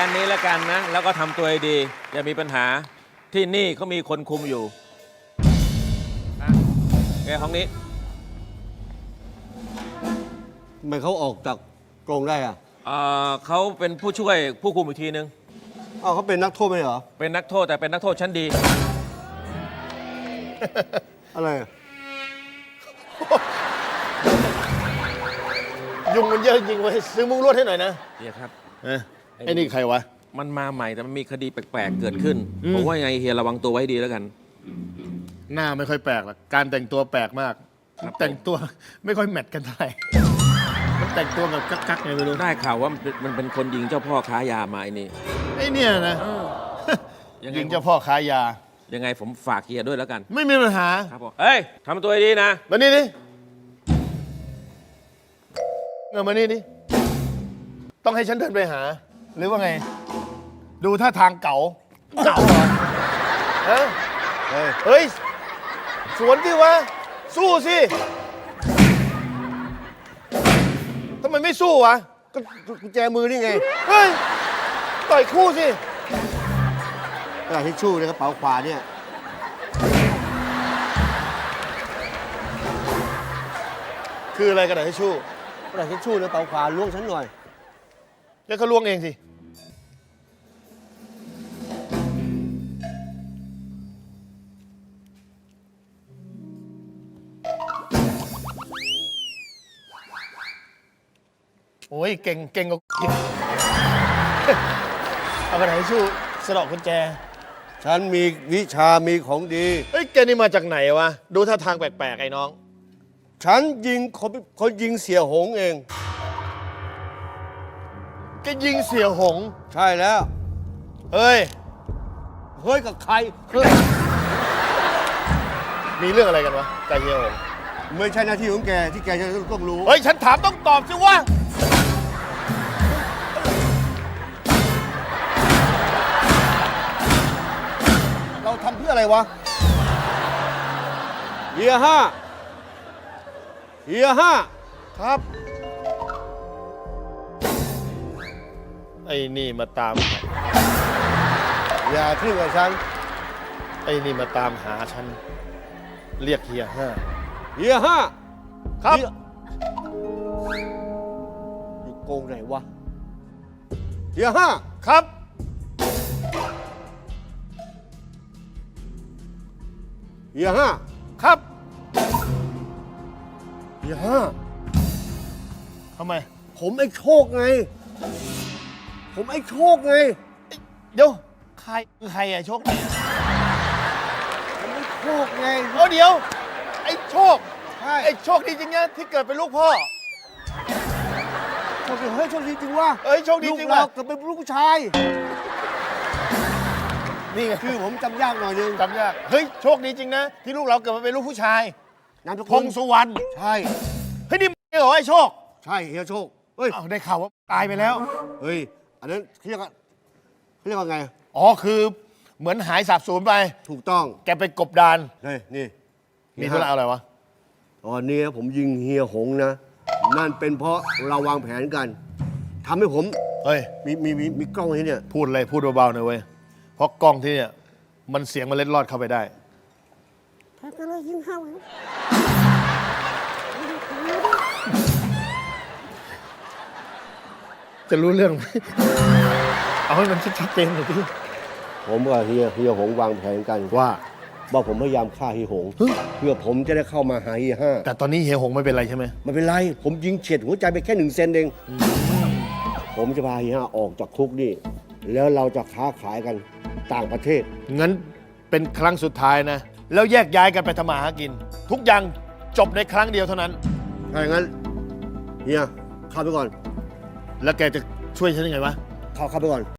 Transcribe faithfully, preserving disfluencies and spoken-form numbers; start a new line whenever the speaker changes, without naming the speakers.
ค่นี้แล้วกันนะแล้วก็ทำตัวให้ดีอย่ามีปัญหาที่นี่เขามีคนคุมอยู่นะแกห้องนี้
ทำไมเขาออกจากกรงได้อะ
เอ่อเขาเป็นผู้ช่วยผู้คุมอีกทีนึง
อ้าวเขาเป็นนักโทษไหมเหรอ
เป็นนักโทษแต่เป็นนักโทษชั้นดี
อะไรอะ
ยุงมันเยอะจริงเว้ยซื้อมุ้งลวดให้หน่อยนะ
เฮียครับ
เอ้ยไอ้นี่ใครวะ
มันมาใหม่แต่มันมีคดีแปลกๆเกิดขึ้น
อืม
ผมว่ายังไงเฮียระวังตัวไว้ให้ดีแล้วกัน
หน้าไม่ค่อยแปลกหรอกการแต่งตัวแปลกมาก
ครับ
แต่งตัวไม่ค่อยแมทกันเท่าไหร่มันแต่งตัวแบบกักๆไงไม่รู้
ได้ข่าวว่ามันเป็นคนยิงเจ้าพ่อค้ายามาไอ้นี่
ไอ้เนี่ยนะ
ยังไง
ยิงเจ้าพ่อค้ายา
ยังไงผมฝากเฮียด้วยแล้วกัน
ไม่มีปัญหา
ครับผมเฮ้ยทำตัวให้ดีนะ
มานี่ดิเงามานี่ดิต้องให้ฉันเดินไปหา หรือว่าไง ดูท่าทางเก่าเก่าเหรอฮะ
เฮ้ย
เฮ้ย สวนที่วะ สู้สิทำไมไม่สู้วะ
ก็กุญแจมือนี่ไง
เฮ้ย ต่อยคู่สิ
กระดาษทิชชู่ในกระเป๋าขวาเนี่ย
คืออะไรกระดาษทิชชู่
กระดาษทิชชู่ในกระเป๋าขวาล้วงฉันหน่อย
แล้วก็ล้วงเองสิ โอ้ย เก่ง เก่งกว่า เอากระดาษทิชชู่สะดอกกุญแจ
ฉันมีวิชามีของดี
เฮ้ย แกนี่มาจากไหนวะ ดูท่าทางแปลกๆ ไอ้น้อง
ฉันยิงเขาเขายิงเสียหงเอง
แกยิงเสียหง
ใช่แล้ว
เฮ้ย
เฮ้ยกับใครเฮ้ย
มีเรื่องอะไรกันวะกับเฮียหง
ไม่ใช่หน้าที่ของแกที่แกจะต้องรู้
เฮ้ย ฉันถามต้องตอบสิวะ
เราทำเพื่ออะไรวะเฮียห้าเฮียห้า
ครับ ไอ้นี่มาตาม
อย่าขึ้นกับฉัน
ไอ้นี่มาตามหาฉัน เรียกเฮียห้า
เฮียห้า
ครับ
เฮียอยู่โกงไหนวะเฮียห้า
ครับ
เฮียห้า
ครับ
เฮียห้า
ทำไม
ผมไอ้โชคไง ผมไอ้โชคไง
เดี๋ยว ใครใครอะโชค
ผมไอ้โชคไง
โอ้เดี๋ยว ไอ้โชค
ใช่
ไอ้โชคดีจริงนะที่เกิดเป็นลูกพ่อ
โชคดีเฮ้ยโชคดีจริงวะ
เอ้ยโชคดีจริง
ลูก
ว่ะ
เราเกิดเป็นลูกผู้ชาย
นี่ไง
คือผมจำยากหน่อยนึง
จำยาก เฮ้ย โชคดีจริงนะ ที่ลูกเราเกิดมาเป็นลูกผู้ชาย
นามส
พ
กุล
งสุวรรณ
ใช่
เฮ้ยนี่มึงเหรอไอ้โชค
ใช่เฮียโชค เฮ้ย
อ้าวได้ข่าวว่าตายไปแล้ว
เฮ้ย อันนั้นเขาเรียกว่าเขาเรียกว่าไง
อ๋อ คือเหมือนหายสาบสูญไป
ถูกต้อง
แกไปกบดาน
เฮ้ย นี่
มีธุระอะไรวะ
ตอนนี้ผมยิงเฮียหงนะ นั่นเป็นเพราะเราวางแผนกันทำให้ผม
เฮ้ย
มีมีมีมีกล้องที่เนี่ย
พูดอะไรพูดเบาๆหน่อยเว้ย เพราะกล้องที่เนี่ย มันเสียงมันเล็ดลอดเข้าไปได้ จะรู้เรื่องไหม เอาให้มันชัดเจนหน่อยพี่
ผมกับเฮียเฮียหงวางแผนกัน
ว่า
ว่าผมพยายามฆ่าเฮียหง เพื่อผมจะได้เข้ามาหาเฮียห้า
แต่ตอนนี้เฮียหงไม่เป็นไรใช่ไหม
ไม่เป็นไร ผมยิงเฉียดหัวใจไปแค่หนึ่งเซนเอง ผมจะพาเฮียห้าออกจากคุกนี่ แล้วเราจะค้าขายกันต่างประเทศ
งั้นเป็นครั้งสุดท้ายนะ แล้วแยกย้ายกันไปทำมาหากิน ทุกอย่างจบในครั้งเดียวเท่านั้น
ถ้าอย่างนั้นเฮียเข้าไปก่อน
แล้วแกจะช่วยฉันยังไงวะ
เข้าเข้าไปก่อน